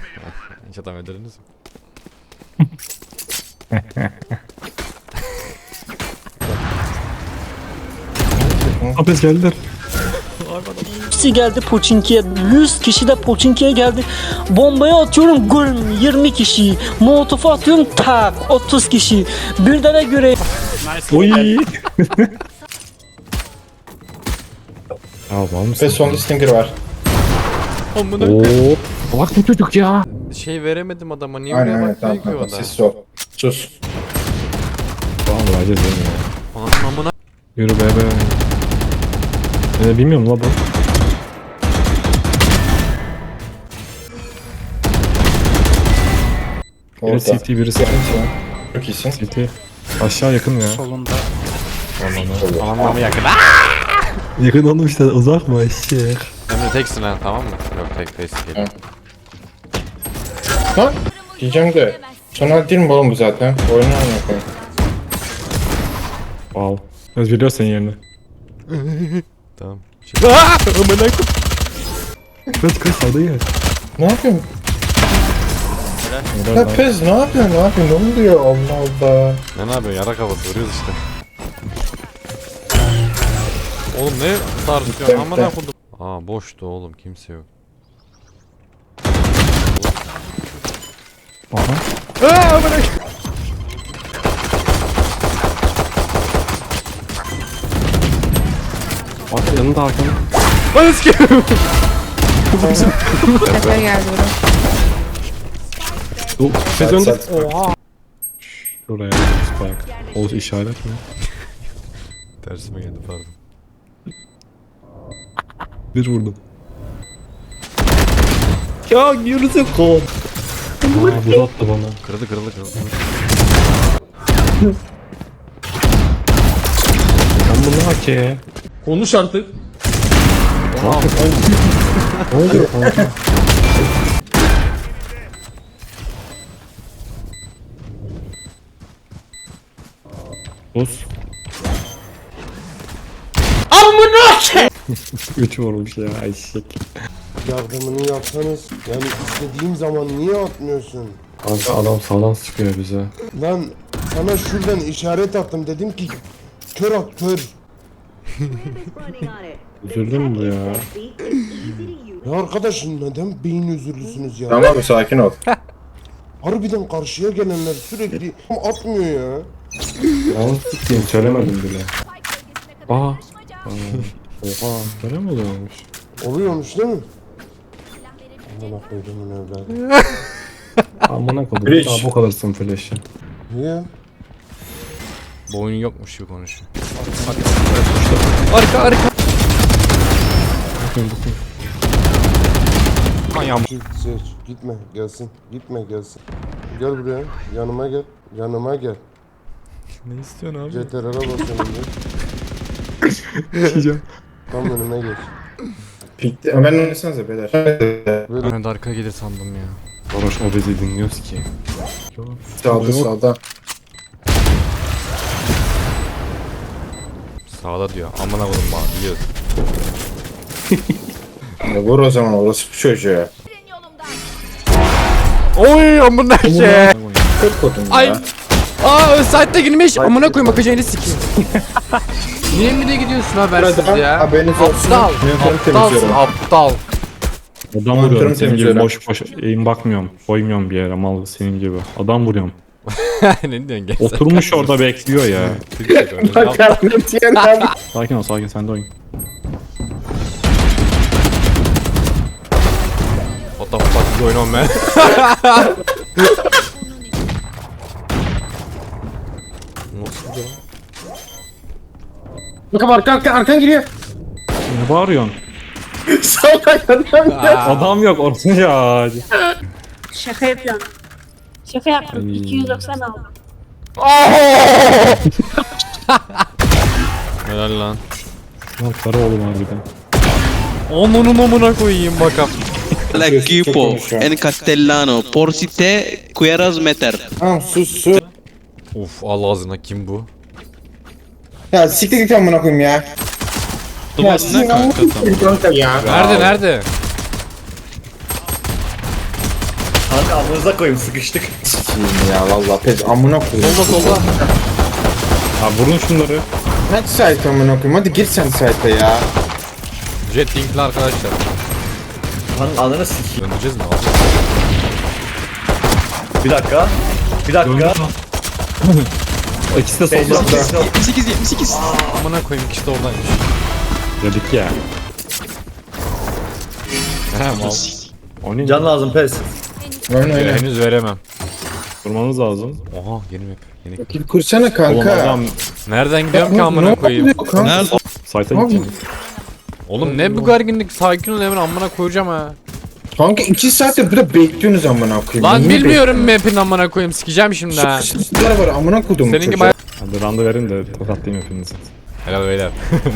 Hiç adam öldürdünüz mü? Hapes geldiler. Hepsi geldi Poçinki'ye. 100 kişi de Poçinki'ye geldi. Bombaya atıyorum güm 20 kişi. Molotof'a atıyorum tak 30 kişi. Birdene göre Oy. Ya var mısın? Ve sonda Stinger var. Amına Oo. Bak bu çocuk ya. şey veremedim adama. Niye Aynen oraya aynen bakmıyor tamam ki o tamam. da? Sessiz ol. Sus. Tamam vereceğiz değil mi ya? Anam amına. Yürü be be. Bilmiyorum la bu. Biri Orada. CT birisi Çok iyisin. CT. Aşağı yakın ya. Solunda. Anam yakın. Yakın oğlum işte uzak mı eşek? Emre teksin ha, tamam mı? Yok tek değil. Evet. Ha? Diyeceğim de. Sonra değil mi oğlum bu zaten? Oyunu oynayalım. Wow. Öz biliyor senin yerini. Tamam. Amına. Kaç sağda gel. Ne yapıyorsun? Ya Pez ne yapıyorsun? Ne yapıyorsun? Ne oluyor? Allah Allah. Ne yapıyorsun? Yara kafası vuruyoruz işte. Oğlum ne tartışıyorsun? Amına koydum. Aa boştu oğlum, kimse yok. Aha. Aa amına. Bak yanında arkanda. Lan eski. Sefer geldi buraya. Dur. Biz önde. Sert. Şuraya spike. O işaret mi? Tersime geldi pardon. Bir vurdum. Ya yürüsün kol. Aa buz attı bana. Kırıldı. Ben bunu hak ye. Konuş artık. Ne oluyor kanka? Buz. Amına ke! 3 vurmuş ya eşek. Yardımını yapsanız yani istediğim zaman niye atmıyorsun? Kanka adam sağdan sıkıyor bize. Lan sana şuradan işaret attım dedim ki kör at kör. Üzüldün mü bu ya? Ya arkadaş neden beyin özürlüsünüz ya? Tamam abi sakin ol. Harbiden karşıya gelenler sürekli atmıyor ya. Yalnız sıkayım söylemedim bile. Aa. Oha. Böyle mi oluyormuş? Oluyormuş değil mi? Amına koyduğumun evladı. Amına kodum. Flash. Daha bu kalırsın flash'ı. Niye? Bu oyun yokmuş gibi konuşuyor. Bakın bakın. Seç, seç. Gitme gelsin. Gitme gelsin. Gel buraya. Yanıma gel. Yanıma gel. Ne istiyorsun abi? CTRL'e basıyorum bir. Diyeceğim. Tam önüme geç. Pikti. Ömer oynasanıza beyler. Ben de arkaya gelir sandım ya. Varoş obezi dinliyoruz ki. Sağda sağda. Sağda diyor. Amına koydum bana biliyoruz. Ya vur o zaman orası bu çocuğa. Oy amına şey. Kır kodum Ay. ya. Aa site'de girmiş. Amına koyayım bakacağını sikeyim. Niye mi de gidiyorsun habersiz ya? Haberiniz olsun. Aptal. Monitörümü Aptalsın temizliyorum. aptal. Adam Monitörümü vuruyorum senin gibi temizliyorum. boş eğim bakmıyorum. Koymuyorum bir yere mal senin gibi. Adam vuruyorum. Ne diyorsun gel. Oturmuş orada bekliyor ya. Sakin ol sakin sen de oyun. What the fuck is going on man? Nasıl ya? Bakın arkan giriyor. Ne bağırıyorsun? Aa, Adam yok orası ya. Şaka yapıyorum. Şaka yaptım. 290 aldım. helal lan. Lan karı oğlum harbiden. Onun amına koyayım bakalım. L'equipo en castellano por si te quieras meter. Tamam sus. Uf Allah ağzına kim bu? Ya siktir git amına koyayım ya. Ya sizin amına koyayım ya. Nerede nerede? Kanka amınıza koyayım sıkıştık. Sikiyim ya valla pez amına koyayım. Solda. Ha vurun şunları. Hadi site amına koyayım. Hadi gir sen site'e ya. Jet linkli arkadaşlar. Lan ananı sikeyim. Döneceğiz mi? Bir dakika. Bir dakika. İkisi de solda. 78. Amına koyayım ikisi de oradaymış. Dedik ya. He mal. O ne? Can lazım pes. Oyna. Henüz veremem. Vurmanız lazım. Oha yeni map. Yeni. Kill kursana Oğlum kanka. adam Nereden gidiyorum ki Ne amına koyayım? oluyor kanka? Nerede? site'a Abi, gideceğim. Oğlum ne bu gerginlik? Sakin ol Emre amına koyacağım ha. Kanka 2 saattir burada bekliyorsunuz amına koyayım. Lan Niye bilmiyorum map'in amına koyayım sikeceğim şimdi ha. Sıkıştıklar var amına koydum. Seninki bayağı... Hadi randı verin de tokatlayayım hepinizi. Helal beyler.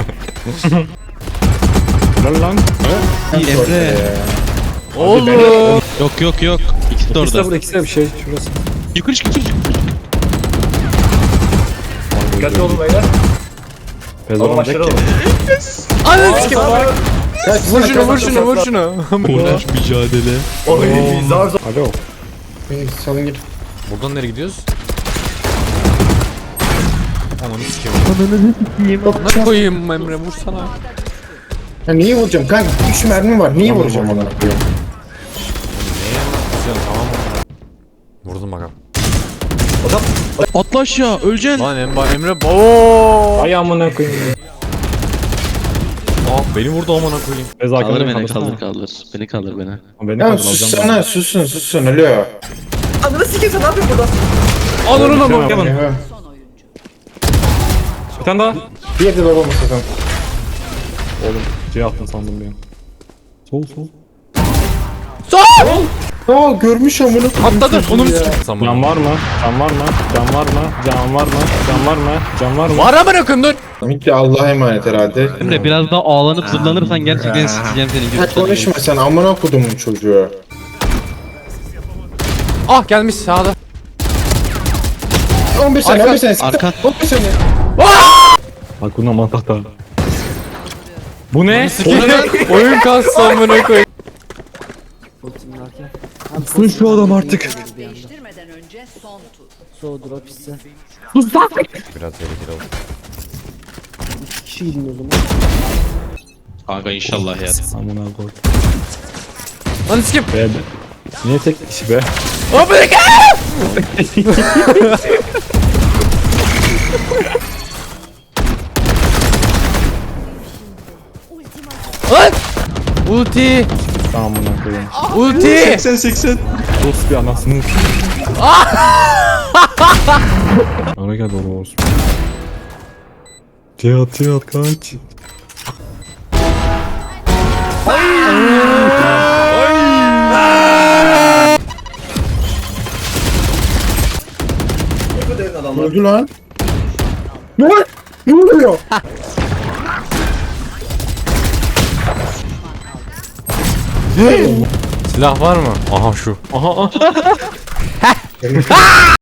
Helal lan. Emre. Oğlum. Yok. İkisi de İkisi de orada. burada, ikisi de bir şey. Şurası. Yukarı çık. Dikkatli olun beyler. Pez Oğlum olmayacak aşırı ki. olun. Ananı sikeyim. Kaç, Vur şunu. Mücadele. Oy zar zor. Alo. Salın git. Buradan nereye gidiyoruz? Ananı sikeyim. Ananı koyayım Emre vursana. Ya niye vuracağım kanka? 3 mermi var. Niye vuracağım amına koyayım? Tamam mı? Vurdum bakalım. Atla aşağı öleceksin. Lan Emre ooo. Ay amına koyayım. Ah beni vurdu amına koyayım. Pez Kaldır hakkında beni kaldırsana. kaldır. Beni kaldır beni. Beni Ya kaldır alacağım. sussana susun alo. Ananı sikeyim sen ne yapıyorsun burada? Ananı Tamam. ama. Ya, Bir tane daha. Bir yerde baba masadan. Oğlum C attın sandım bir an. Sol. Aa görmüş amına koyayım. Atladı. Onu mu sikeyim? Can var mı? Can var mı? Can var mı? Can var mı? Can var mı? Can var mı? Var amına koyayım dur. Mikli Allah'a emanet herhalde. Emre biraz daha ağlanıp zırlanırsan gerçekten sikeceğim seni. Ha konuşma sen amına kodumun çocuğu. Ah gelmiş sağda. 15 saniye Arka- 15 saniye. arka. 15 saniye. Bak buna matahta. Bu ne? Oyun kastı amına koyayım. Sıkın şu adam artık. Değiştirmeden önce son tur. Biraz tehlikeli oldu. Kanka inşallah ya. Amına koy. Lan sikeyim. Be. Niye tek kişi be? Hop bir dakika. Lan! Ulti! Amına koyayım. Ulti! 80. Dost bir anasını. Ara gel doğru olsun. Cihat kaç. Öldü lan. Ne? Ne oluyor? Silah var mı? Aha şu. Aha.